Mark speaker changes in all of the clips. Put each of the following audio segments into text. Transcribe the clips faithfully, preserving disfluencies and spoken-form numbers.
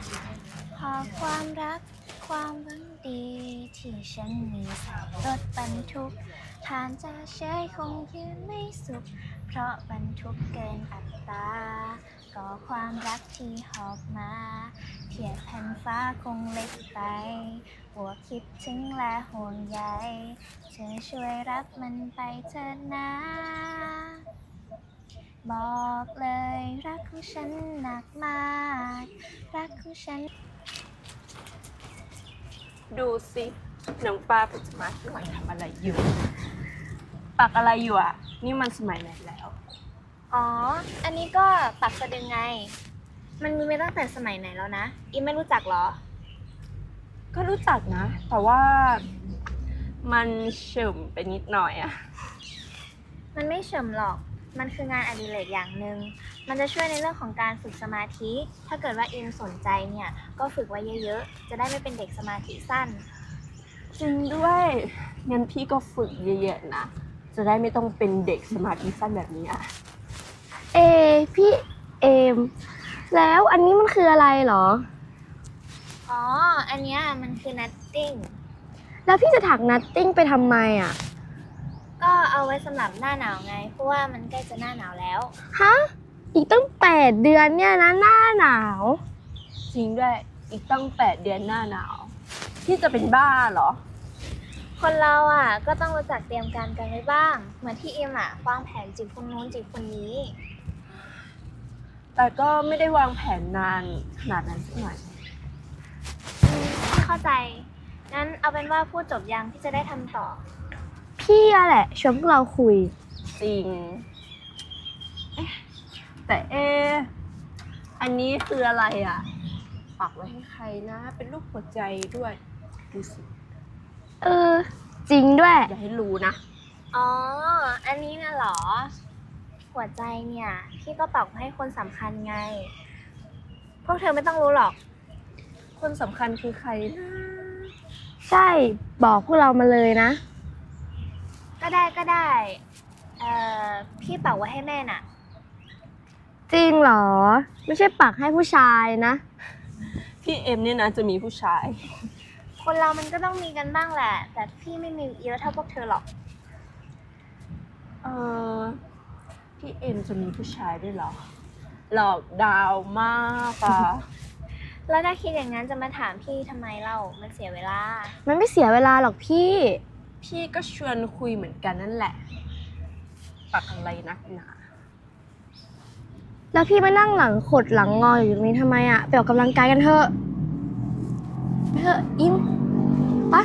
Speaker 1: ขอความรักความหวังดีที่ฉันมีใส่รถบรรทุกทานจะเฉยคงยืนไม่สุขเพราะบรรทุกเกินอัตราก็ความรักที่หอบมาเทียบแผ่นฟ้าคงเล็กไปหัวคิดถึงและห่วงใยเธอช่วยรับมันไปเถิดนะบอกเลยรักของฉันหนักมากรักของฉัน
Speaker 2: ดูสิน้องปลาปัจจุบันกำลังทำอะไรอยู่ปักอะไรอยู่อ่ะนี่มันสมัยไหนแล้ว
Speaker 1: อ๋อ อันนี้ก็ปักสะดึงไง มันมีมาตั้งแต่สมัยไหนแล้วนะอีไม่รู้จักเหรอ
Speaker 2: ก็รู้จักนะ แต่ว่ามันเฉมไปนิดหน่อยอะ
Speaker 1: มันไม่เฉิมหรอก มันคืองานอดิเรกอย่างหนึ่ง มันจะช่วยในเรื่องของการฝึกสมาธิ ถ้าเกิดว่าอิมสนใจเนี่ย ก็ฝึกไว้เยอะๆ จะได้ไม่เป็นเด็กสมาธิสั้น
Speaker 2: จริงด้วยงั้นพี่ก็ฝึกเยอะๆนะจะได้ไม่ต้องเป็นเด็กสมาธิสั้นแบบนี้อ่ะ
Speaker 3: เอพี่เอมแล้วอันนี้มันคืออะไรเหรอ
Speaker 1: อ๋อ อันเนี้ยมันคือ นัตติ้ง
Speaker 3: แล้วพี่จะถักนัตติ้งไปทำไมอ่ะ
Speaker 1: ก็เอาไว้สำหรับหน้าหนาวไง เพราะว่ามันใกล้จะหน้าหนาวแล้ว
Speaker 3: ฮะอีกตั้งแปดเดือนเนี่ยนะหน้าหนาว
Speaker 2: จริงด้วยอีกตั้งแปดเดือนหน้าหนาวพี่จะเป็นบ้าเหรอ
Speaker 1: คนเราอ่ะก็ต้องรู้จักเตรียมการกันไว้บ้าง เหมือนที่อิมอ่ะวางแผนจีบคนนู้นจีบคนนี้
Speaker 2: แต่ก็ไม่ได้วางแผนนานขนาดนั้นสักหน่อย
Speaker 1: อืมพี่เข้าใจ งั้นเอาเป็นว่าพูดจบยังพี่จะได้ทำต่อ
Speaker 3: พี่อะแหละชวนพวกเราคุย
Speaker 2: จริงเอ๊ะแต่เอะอันนี้คืออะไรอ่ะปักไว้ให้ใครนะเป็นรูปหัวใจด้วยดูสิ
Speaker 3: เออจริงด้วย
Speaker 2: อย่าให้รู้นะ
Speaker 1: อ๋อ อันนี้น่ะเหรอ หัวใจเนี่ยพี่ก็ปักให้คนสำคัญไง พวกเธอไม่ต้องรู้หรอก
Speaker 2: คนสำคัญคือใครนะ
Speaker 3: ใช่บอกพวกเรามาเลยนะ
Speaker 1: ก็ได้ก็ได้ เอ่อ พี่ปักไว้ให้แม่น่ะ
Speaker 3: จริงเหรอไม่ใช่ปักให้ผู้ชายนะ
Speaker 2: พี่เอ็มเนี่ยนะจะมีผู้ชาย
Speaker 1: คนเรามันก็ต้องมีกันบ้างแหละ แต่พี่ไม่มีเยอะเท่าพวกเธอหรอก
Speaker 2: เออพี่เอ็มจะมีผู้ชายด้วยเหรอหลอกดาวมากอะ
Speaker 1: แล้วถ้าคิดอย่างนั้นจะมาถามพี่ทำไมเล่า มันเสียเวลา
Speaker 3: มันไม่เสียเวลาหรอกพี่
Speaker 2: พี่ก็ชวนคุยเหมือนกันนั่นแหละปักอะไรนักหนา
Speaker 3: แล้วพี่มานั่งหลังขดหลังงออยู่ตรงนี้ทำไมอะไปออกกำลังกายกันเถอะไปเถอะอิมปะ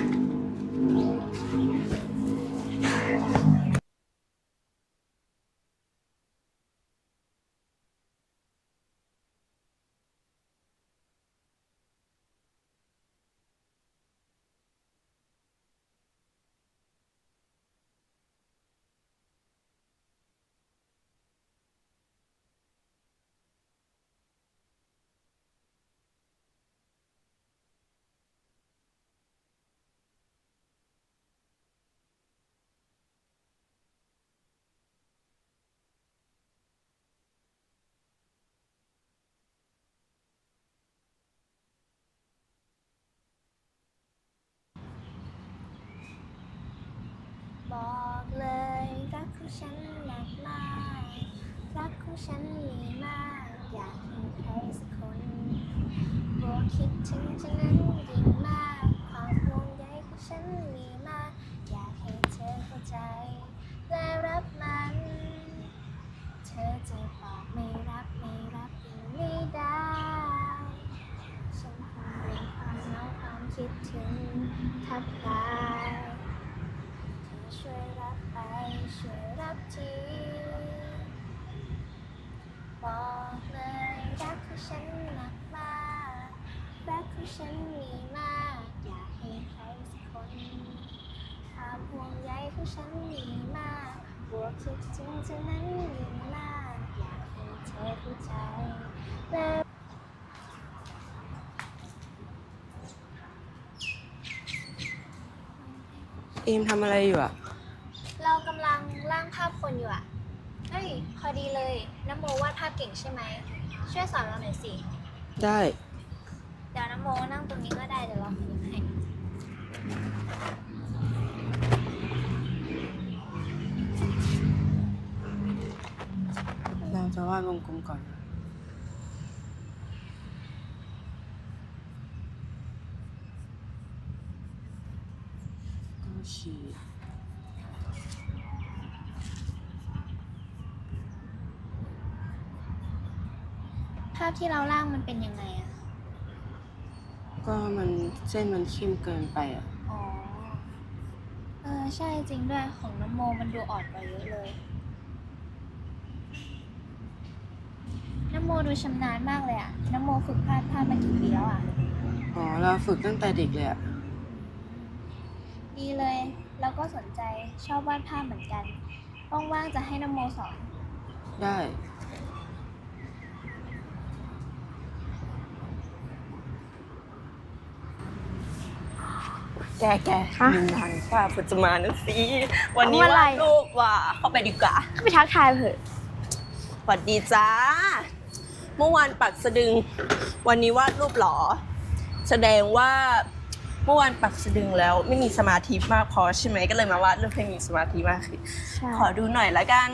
Speaker 1: บอกเลยรักของฉันหนักมากรักของฉันมีมากอยากมีใครสักคนบวกคิดถึงฉันนั้นยิ่งมากความห่วงใยของฉันมีมากอยากให้เธอเข้าใจและรับมันเธอจะบอกไม่รับไม่รับยังไม่ได้ฉันคงเป็นความเหงาความคิดถึงทับทายช่วยรับไปช่วยรับทีบอกเลยรักของฉันหนักมากรักของฉันมีมากอยากให้ใครสักคนความห่วงใยของฉันมีมากบวกคิดถึงเธอนั้นยิ่งมากอยากให้เธอเข้าใจและ
Speaker 2: เอ็มทำอะไรอยู่อะ
Speaker 1: เรากำลังร่างภาพคนอยู่อะเฮ้ยพอดีเลยน้ำโมวาดภาพเก่งใช่ไหมช่วยสอนเราหน่อยสิ
Speaker 2: ได้
Speaker 1: เดี๋ยวน้ำโมนั่งตรงนี้ก็ได้เดี๋ยวเราขยับให้
Speaker 4: เราจะวาดวงกลมก่อนนะก็ขีด
Speaker 1: ภาพที่เราล่างมันเป็นยังไงอะ
Speaker 4: ก็มันเส้นมันเข้มเกินไปอ่ะ
Speaker 1: อ๋อ เออใช่จริงด้วยของน้ำโมมันดูอ่อนกว่าเยอะเลย น้ำโมดูชำนาญมากเลยอะน้ำโมฝึกวาดภาพมากี่ปีแล้วอะ
Speaker 4: อ๋อ เราฝึกตั้งแต่เด็กเลยอ่ะ
Speaker 1: ดีเลย แล้วก็สนใจชอบวาดภาพเหมือนกันว่างๆจะให้น้ำโมสอน
Speaker 4: ได้
Speaker 2: แกแก
Speaker 3: ฮะ
Speaker 2: มีงานว่าปัจจุบันนึกสิวันนี้
Speaker 3: ทำอะไร
Speaker 2: วาดรูปว่ะเข้าไปดีกว่า
Speaker 3: ก็ไปทักทายเถอะ
Speaker 2: สวัสดีจ้า เมื่อวานปักสะดึง วันนี้วาดรูปเหรอ แสดงว่าเมื่อวานปักสะดึงแล้วไม่มีสมาธิมากพอใช่ไหมก็เลยมาวาดรูปให้มีสมาธิมากขึ้น
Speaker 3: ใช่
Speaker 2: ขอดูหน่อยละกัน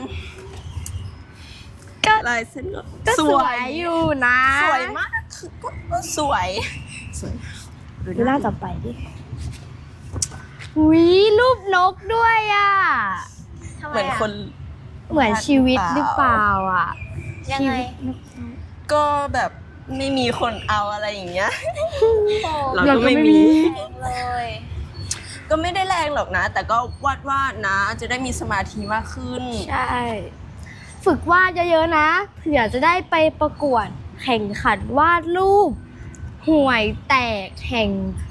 Speaker 3: ก็
Speaker 2: ลายเส้นก็
Speaker 3: ก็สวยอยู่นะ
Speaker 2: สวยมากคือก็สวยสวย
Speaker 3: ดูหน้าต่อไปดิวิรูปนกด้วยอ่ะ
Speaker 1: ทำไม
Speaker 2: เหมือน
Speaker 1: อะ
Speaker 2: คน
Speaker 3: เหมือนชีวิตหรือเปล่าอ่ะ
Speaker 1: ยังไง
Speaker 2: ก็แบบไม่มีคนเอาอะไรอย่างเงี้ย
Speaker 1: โอ้
Speaker 2: เรา
Speaker 3: เรา
Speaker 2: ก็
Speaker 3: ก็
Speaker 2: ไม่
Speaker 3: ไม่
Speaker 2: มี
Speaker 3: มี
Speaker 1: แรงเลย
Speaker 2: ก็ไม่ได้แรงหรอกนะ แต่ก็วาดวาดๆนะ จะได้มีสมาธิมากขึ้น
Speaker 3: ใช่ ฝึกวาดเยอะๆนะ เผื่อจะได้ไปประกวดแข่งขันวาดรูปห่วยแตกแห่งปี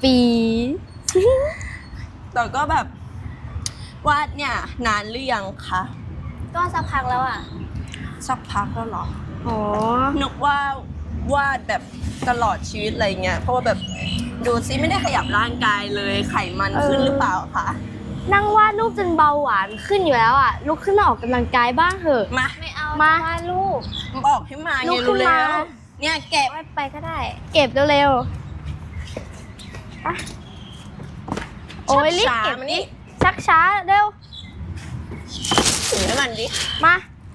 Speaker 2: แต่ก็แบบวาดเนี่ยนานหรือยังคะ
Speaker 1: ก็สักพักแล้วอะ
Speaker 2: สักพักแล้วเหรอ
Speaker 3: อ๋อ
Speaker 2: นึกว่าวาดแบบตลอดชีวิตอะไรเงี้ย เพราะว่าแบบดูซิไม่ได้ขยับร่างกายเลยไขมันขึ้นหรือเปล่าคะ
Speaker 3: นั่งวาดรูปจนเบาหวานขึ้นอยู่แล้วอ่ะ ลุกขึ้นมาออกกำลังกายบ้างเถอะ
Speaker 2: มา
Speaker 1: ไม่เอา
Speaker 3: มา
Speaker 1: จะวาดรูป
Speaker 2: บอกให้มา
Speaker 3: ลุ
Speaker 2: ไง
Speaker 3: กขึ้
Speaker 2: รู้
Speaker 3: น
Speaker 2: แล้
Speaker 3: มา
Speaker 2: วเนี่ยแกะ
Speaker 1: วาดไปก็ได้
Speaker 3: เก็บเร็วๆไปโอ้ยรีบ
Speaker 2: ช้า
Speaker 3: เก็บ
Speaker 2: ๆมานี่
Speaker 3: ชักช้าเร็ว
Speaker 2: ถือให้มันดิ
Speaker 3: มา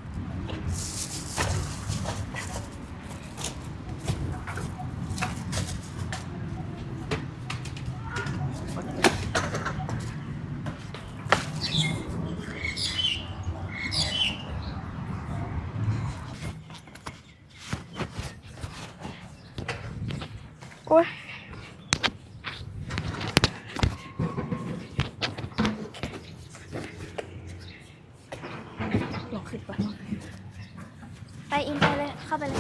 Speaker 3: โอ้ย
Speaker 2: ลองขึ้นไป
Speaker 1: ไปอินไปเลย เข้าไปเลย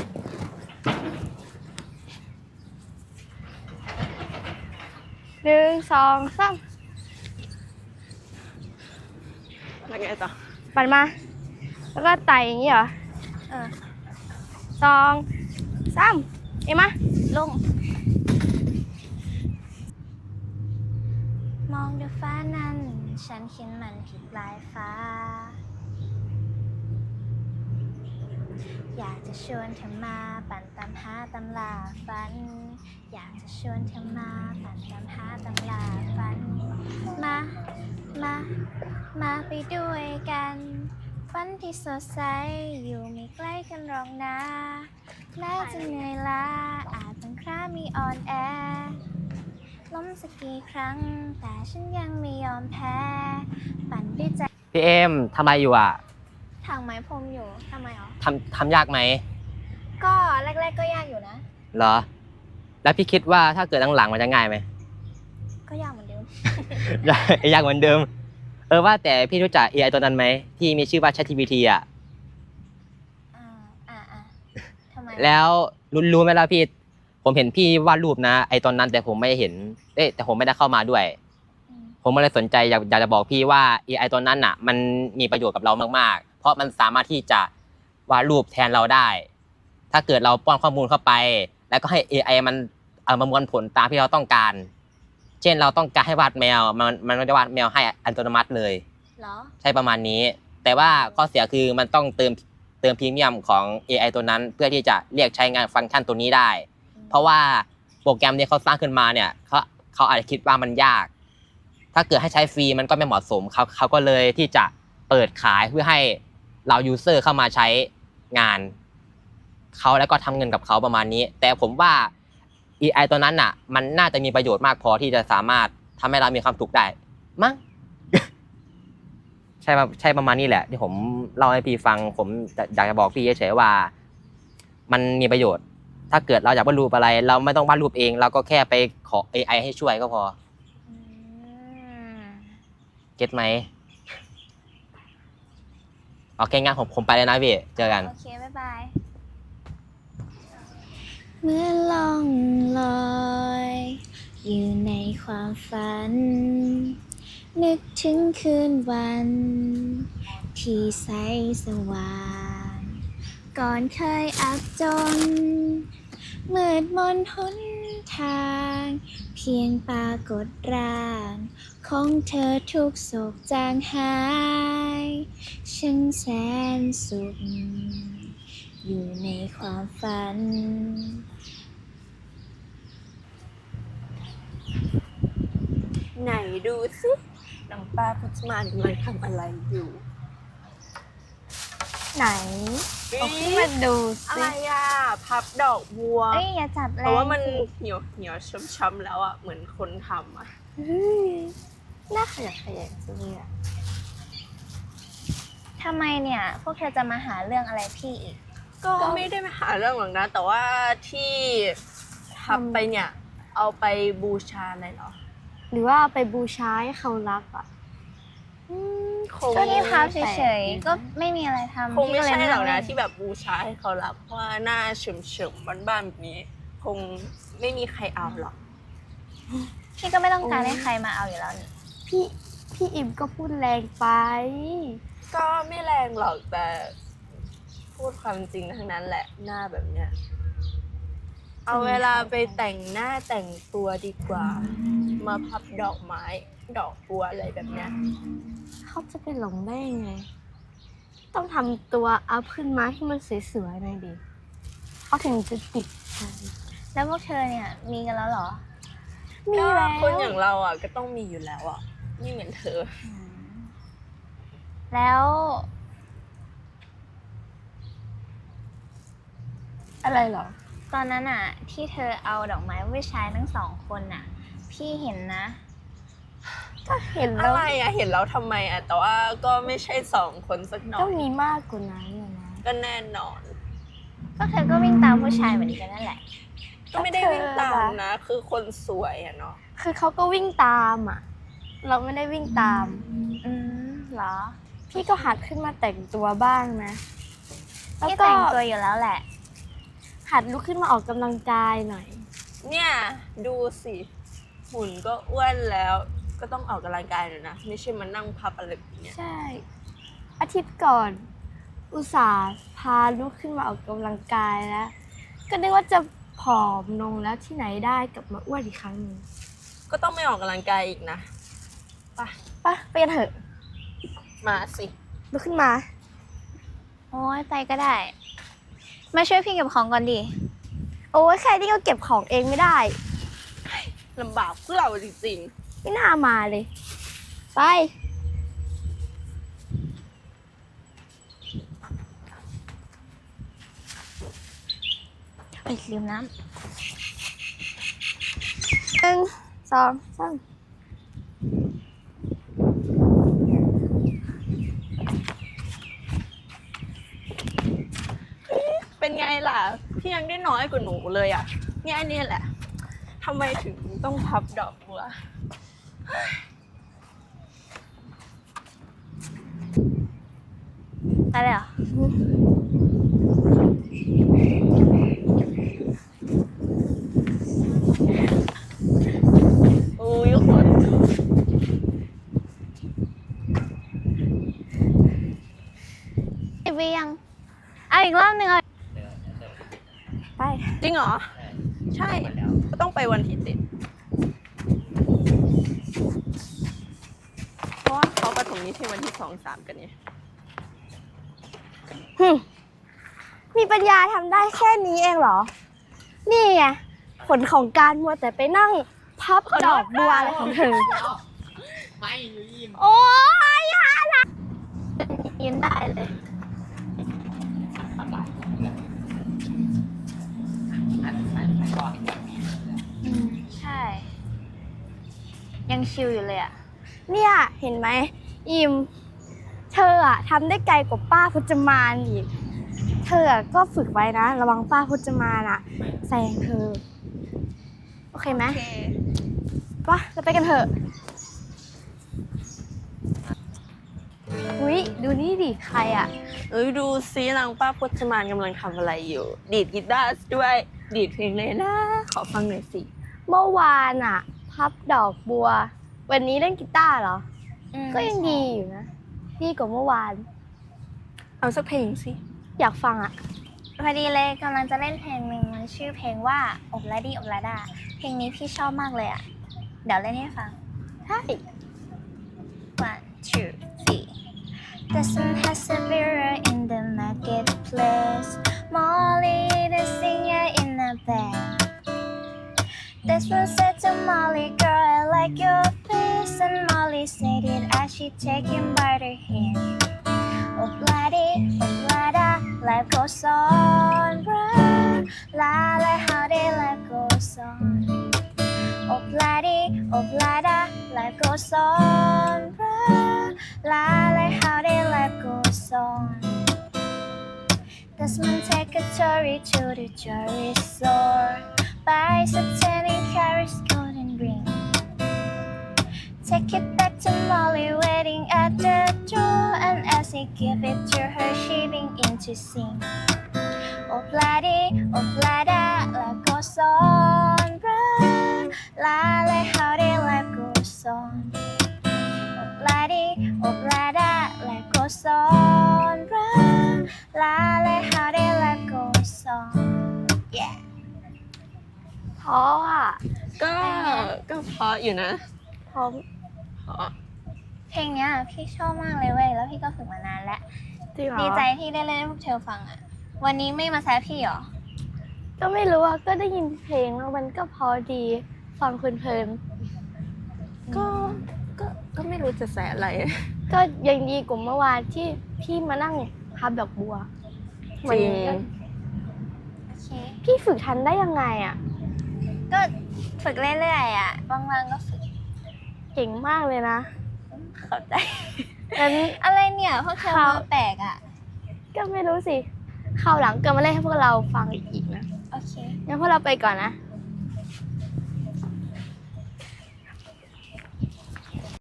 Speaker 3: หนึ่งสองสาม
Speaker 2: แล้วไงต่อ
Speaker 3: ปั่นมา แล้วก็ไต่อย่างนี้เหรอ
Speaker 1: เออ
Speaker 3: สองสามเอ็มมา
Speaker 1: ลง มองดูฟ้านั้น ฉันเขียนมันผิดลายฟ้า อยากจะชวนเธอมาปั่นตามหาตำลาฝัน อยากจะชวนเธอมาปั่นตามหาตำลาฝัน มา มา มาไปด้วยกัน ฝันที่สดใสอยู่ไม่ใกล้กันหรอกนะแม้จะเหนื่อยล้าอาจบางครั้งมีอ่อนแอ ล้มสักกี่ครั้ง แต่ฉันยังไม่ยอมแพ้ ปั่นด้วยใจ
Speaker 5: พี่เอ็มทำอะไรอยู่อ่ะ
Speaker 1: ถังไม้พรมอยู่ทำไมอ๋อ
Speaker 5: ทำทำยากไหม
Speaker 1: ก็แรกๆก็ยากอยู่นะ
Speaker 5: เหรอ แล้วพี่คิดว่าถ้าเกิดหลังๆมันจะง่ายไหม
Speaker 1: ก็ยากเหมือนเดิม
Speaker 5: ยากเหมือนเดิม เออว่าแต่พี่รู้จัก เอ ไอ ตัวนั้นไหมที่มีชื่อว่า ChatGPT อ่ะ
Speaker 1: อ่า อ่าอ่าทำไม
Speaker 5: แล้วรู้รู้ไหมล่ะพี่ ผมเห็นพี่วาดรูปนะ ไอตอนนั้นแต่ผมไม่เห็น เอ๊ะแต่ผมไม่ได้เข้ามาด้วย
Speaker 1: อืม
Speaker 5: ผมก็เลยสนใจอยากอยากจะบอกพี่ว่า เอ ไอ ตัวนั้นอ่ะ มันมีประโยชน์กับเรามากๆ เพราะมันสามารถที่จะวาดรูปแทนเราได้ ถ้าเกิดเราป้อนข้อมูลเข้าไป แล้วก็ให้ เอ ไอ มันเอามามวลผลตามที่เราต้องการ เช่นเราต้องการให้วาดแมว มันมันก็จะวาดแมวให้อัตโนมัติเลย
Speaker 1: เหรอ
Speaker 5: ใช่ประมาณนี้ แต่ว่าข้อเสียคือมันต้องเติมเติมพรีเมียมของ เอ ไอ ตัวนั้น เพื่อที่จะเรียกใช้งานฟังก์ชันตัวนี้ได้ เพราะว่าโปรแกรมที่เขาสร้างขึ้นมาเนี่ยเขาเขาอาจจะคิดว่ามันยาก ถ้าเกิดให้ใช้ฟรีมันก็ไม่เหมาะสมเขาเขาก็เลยที่จะเปิดขายเพื่อให้เรายูเซอร์เข้ามาใช้งานเขาแล้วก็ทำเงินกับเขาประมาณนี้ แต่ผมว่า เอ ไอ ตัวนั้นน่ะมันน่าจะมีประโยชน์มากพอที่จะสามารถทำให้เรามีความสุขได้มั้ง ใช่ใช่ประมาณนี้แหละที่ผมเล่าให้พี่ฟังผมอยากจะบอกพี่เฉยๆว่ามันมีประโยชน์ ถ้าเกิดเราอยากวาดรูปอะไร เราไม่ต้องวาดรูปเอง เราก็แค่ไปขอ เอ ไอ ให้ช่วยก็พอเก็ตไหมโอเคงั้นผมผมไปเลยนะพี่เจอกัน
Speaker 1: โอเค บ๊ายบาย
Speaker 6: เมื่อล่องลอยอยู่ในความฝัน นึกถึงคืนวันที่ใสสว่าง ก่อนเคยอับจนมืดมนหนทาง เพียงปรากฏร่างของเธอทุกโศกจางหายช่างแสนสุขอยู่ในความฝัน
Speaker 2: ไหนดูสิน้องป้าพุทธมานกำลังทำอะไรอยู่
Speaker 3: ไหนเอาขึ้นมาดู
Speaker 2: อะ
Speaker 3: สิ
Speaker 2: ไรอ่ะพับดอกบัว
Speaker 1: เอ้ย อย่าจับแรง
Speaker 2: เพราะว่ามัน
Speaker 1: สิ
Speaker 2: เหี่ยวเหี่ยวช้ำๆแล้วอ่ะเหมือนคนทำอ่ะ
Speaker 3: เฮ้ยน่าขยันขยงจังเลยอะ
Speaker 1: ทำไมเนี่ย พวกเธอจะมาหาเรื่องอะไรพี่อีก
Speaker 2: ก็ไม่ได้มาหาเรื่องหรอกนะ แต่ว่าที่ทับไปเนี่ย เอาไปบูชาอะไรเหรอ
Speaker 3: หรือว่าเอาไปบูชาให้เขารับอ่ะ
Speaker 2: อืมคง
Speaker 1: ก็ที่พับเฉยๆ ก็ไม่มีอะไรทำ
Speaker 2: คงไม่
Speaker 1: พี่ก็เลย
Speaker 2: ใช่หรอกนะ
Speaker 1: งเล่
Speaker 2: ที่แบบบูชาให้เขารับเพราะว่าหน้าเฉมๆบ้านๆแบบนี้ คงไม่มีใครเอาหรอก
Speaker 1: พี่ก็ไม่ต้องการ
Speaker 3: โอ้
Speaker 1: ให้ใครมาเอาอยู่แล้วนี่
Speaker 3: พี่พี่อิมก็พูดแรงไป
Speaker 2: ก็ไม่แรงหรอกแต่พูดความจริงทั้งนั้นแหละหน้าแบบเนี้ยเอาเวลาไปแต่งหน้าแต่งตัวดีกว่า มาพับดอกไม้ ดอกบัวอะไรแบบเนี้ย
Speaker 3: เขาจะไปหลงได้ยังไง ต้องทำตัวอัพขึ้นมาให้มันสวยๆหน่อยดิเขาถึงจะติดใจ
Speaker 1: แล้วพวกเธอเนี่ยมีกันแล้วเหรอ
Speaker 3: มี
Speaker 2: ก็
Speaker 3: แล้ว
Speaker 2: คนอย่างเราอ่ะก็ต้องมีอยู่แล้วอ่ะไม่เหมือนเธอ
Speaker 1: แล้ว
Speaker 3: อะไรเหรอ
Speaker 1: ตอนนั้นอะที่เธอเอาดอกไม้ไปใช้ทั้งสองคนน่ะ พี่เห็นนะ
Speaker 3: ก็เห็น
Speaker 2: อะ
Speaker 3: แล้ว
Speaker 2: ไรอ่ะเห็นแล้วทำไมอ่ะแต่ว่าก็ไม่ใช่สองคนสักหน่อ
Speaker 3: ก็
Speaker 2: ย
Speaker 3: มีมากกว่านั้นอะนะ
Speaker 2: ก็แน่นอน
Speaker 1: ก็เธอก็วิ่งตามผู้ชายเหมือนกันนั่นแหละ
Speaker 2: ก็ไม่ได้วิ่งตามนะ คือคนสวยอ่ะเนาะ
Speaker 3: คือเขาก็วิ่งตามอ่ะ เราไม่ได้วิ่งตาม
Speaker 1: อืมเหรอ
Speaker 3: พี่ก็หัดขึ้นมาแต่งตัวบ้างนะ แล้ว
Speaker 1: พี่
Speaker 3: ก็
Speaker 1: แต่งตัวอยู่แล้วแหละ
Speaker 3: หัดลุกขึ้นมาออกกำลังกายหน่อย
Speaker 2: เนี่ยดูสิหุ่นก็อ้วนแล้วก็ต้องออกกำลังกายหน่อยนะไม่ใช่มานั่งพับอะไรแบบเนี้ย
Speaker 3: ใช่ อาทิตย์ก่อน อุตส่าห์พาลุกขึ้นมาออกกำลังกายแล้ว ก็นึกว่าจะผอมลงแล้วที่ไหนได้กลับมาอ้วนอีกครั้งหนึ่ง
Speaker 2: ก็ต้องไม่ออกกำลังกายอีกนะไป
Speaker 3: ไปไปกันเถอะ
Speaker 2: มาสิ
Speaker 3: ลุกขึ้นมา
Speaker 1: โอ้ยไปก็ได้ มาช่วยพี่เก็บของก่อนดิ
Speaker 3: โอ้ยใครที่ก็เก็บของเองไม่ได้
Speaker 2: ลำบากพวกเราจริง
Speaker 3: ไม่น่ามาเลย ไป
Speaker 1: ไปลืมน้
Speaker 3: หนึ่งสองสาม
Speaker 2: ๆเป็นไงล่ะพี่ยังได้น้อยกว่าหนูเลยอ่ะเนี่ยอันนี้แหละทำไมถึงต้องพับดอกบัว
Speaker 1: ำอะไรเหรอ
Speaker 2: โอ้ยขน
Speaker 1: ไอวียัง เอาอีกรอบหนึ่งเอา
Speaker 3: ไป
Speaker 2: จริงเหรอ ใช่ก็ต้องไปวันที่ติดเพราะว่าเขาประถมนิเทศวันที่สองสามกันเนี่ย
Speaker 3: หึมีปัญญาทำได้แค่นี้เองเหรอ นี่ไงผลของการมัวแต่ไปนั่งพับดอกบัวอะไรของเธอ
Speaker 5: ไม่ยิม
Speaker 3: โอ้ยอย่าละยืนได้เลย อืม ใช่ ยังชิลอยู่เลยอะเนี่ยเห็นไหมอิม เธออะทำได้ไกลกว่าป้าพจมานอีก เธออะก็ฝึกไว้นะ ระวังป้าพจมานอะแซงเธอ โอเคไหม
Speaker 2: โอเค
Speaker 3: ปะเราไปกันเถอะ อุ๊ย ดูนี่ดิ ใครอะ
Speaker 2: เอ้ยดูซินางป้าพจมานกำลังทำอะไรอยู่ ดีดกีตาร์ด้วย ดีดเพลงเลยนะ ขอฟังหน่อยสิ
Speaker 3: เมื่อวานอะพับดอกบัว วันนี้เล่นกีตาร์เหรอ ก็ยังดีอยู่นะ ดีกว่าเมื่อวาน
Speaker 2: เอาสักเพลงสิ
Speaker 3: อยากฟังอะ
Speaker 1: พอดีเลยกำลังจะเล่นเพลงหนึ่งมันชื่อเพลงว่าอบลาดีอบลาดาเพลงนี้พี่ชอบมากเลยอ่ะ เดี๋ยวเล่นให้ฟัง
Speaker 3: ใช่
Speaker 1: one two three The sun has a mirror in the marketplace Molly the singer in the band This one said to Molly girl I like your face And Molly said it as she take him by the hand Oh bloody, oh blada, life goes on, bruh. La la, how they life goes on. Oh bloody, oh blada, life goes on, bruh. La la, how they life goes on. Desmond take a Tory to the jewelry store, buys a ten and carries golden ring. Take it back to Molly waiting at the door And as he give it to her she begin to sing Oh bloody, oh blada, life goes on, bruh La la, how the life goes on Oh bloody, oh blada, life goes on, bruh La la, how the life goes on Yeah
Speaker 3: เพราะอะ
Speaker 2: ก็ ก็เพราะอยู่นะ
Speaker 3: พร้อม
Speaker 2: เพราะ
Speaker 1: เพลงเนี้ยพี่ชอบมากเลยเว้ยแล้วพี่ก็ฝึกมานานแล้ว
Speaker 3: จริงเหรอ
Speaker 1: ดีใจที่ได้เล่นให้พวกเธอฟังอ่ะ วันนี้ไม่มาแซะพี่หรอ
Speaker 3: ก็ไม่รู้อะก็ได้ยินเพลงแล้วมันก็เพอดี ฟังเพลิน
Speaker 2: ก็ ก็ ก็ไม่รู้จะแสอะไร
Speaker 3: ๆ ก็ยังดีกว่าเมื่อวานที่พี่มานั่งพับดอกบัว
Speaker 2: จริง
Speaker 3: วันนี้ก็
Speaker 1: โอเค
Speaker 3: พี่ฝึกทันได้ยังไงอะ
Speaker 1: ก็ฝึกเรื่อยๆอ่ะบางๆก็ฝึก
Speaker 3: เก่งมากเลยนะ
Speaker 1: เข้าใจ
Speaker 3: งั้น
Speaker 1: อะไรเนี่ยพวกเธอ
Speaker 3: ครับ
Speaker 1: มาแปลกอ่ะ
Speaker 3: ก็ไม่รู้สิคราวหลังก็มาเล่นให้พวกเราฟังอีกนะ
Speaker 1: โอเค
Speaker 3: งั้นพวกเราไปก่อนนะ